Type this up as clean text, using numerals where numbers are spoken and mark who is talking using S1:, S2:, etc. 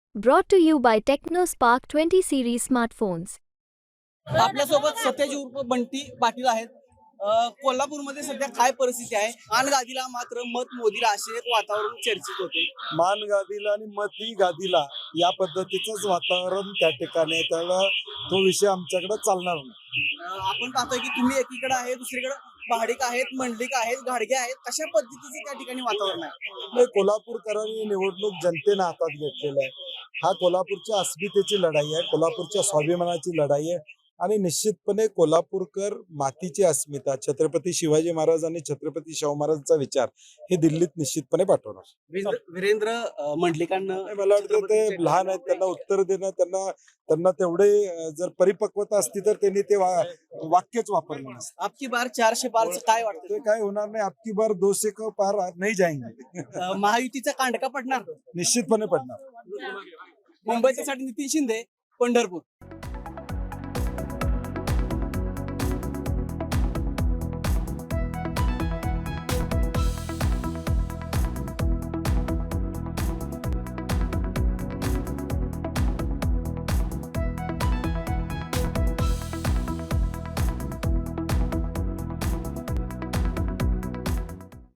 S1: Brought to you by TechnoSpark 20 series smartphones.
S2: आपल्यासोबत सत्यजी उर्फ बंटी पाटील आहेत. कोल्हापूरमध्ये सध्या काय परिस्थिती आहे? मान गादीला मात्र मत मोदीला असे एक वातावरण चर्चेत होते.
S3: मान गादीला आणि मती गादीला या पद्धतीचंच वातावरण त्या ठिकाणी आहे. त्याला तो विषय आमच्याकडे चालणार नाही.
S2: आपण पाहतोय की तुम्ही एकीकडे आहे, दुसरीकडे भाडिक आहेत, मंडलिक आहेत, घाडगे आहेत. कशा पद्धतीचं त्या ठिकाणी वातावरण आहे?
S3: म्हणजे कोल्हापूरकरांनी निवडणूक जनतेनं हातात घेतलेला आहे. हा कोल्हापूरच्या अस्मितेची लढाई आहे, कोल्हापूरच्या स्वाभिमानाची लढाई आहे आणि निश्चितपणे कोल्हापूरकर मातीची अस्मिता, छत्रपती शिवाजी महाराज आणि छत्रपती शाहू महाराजांचा विचार हे दिल्लीत निश्चितपणे पाठवणार.
S2: वीरेंद्र मंडलिकांना
S3: मला वाटतं ते लहान आहेत, त्यांना उत्तर देणं त्यांना तेवढे जर परिपक्वता असती तर त्यांनी ते वाक्यच वापरलं नसतं.
S2: आपकी बार 400 पारचं काय वाटतं?
S3: ते काय होणार नाही. आपकी बार 200 को पार नाही जाएंगे.
S2: महायुतीचा कांडका पडणार.
S3: निश्चितपणे पडणार.
S2: मुंबईच्या साठी नितीन शिंदे, पंढरपूर.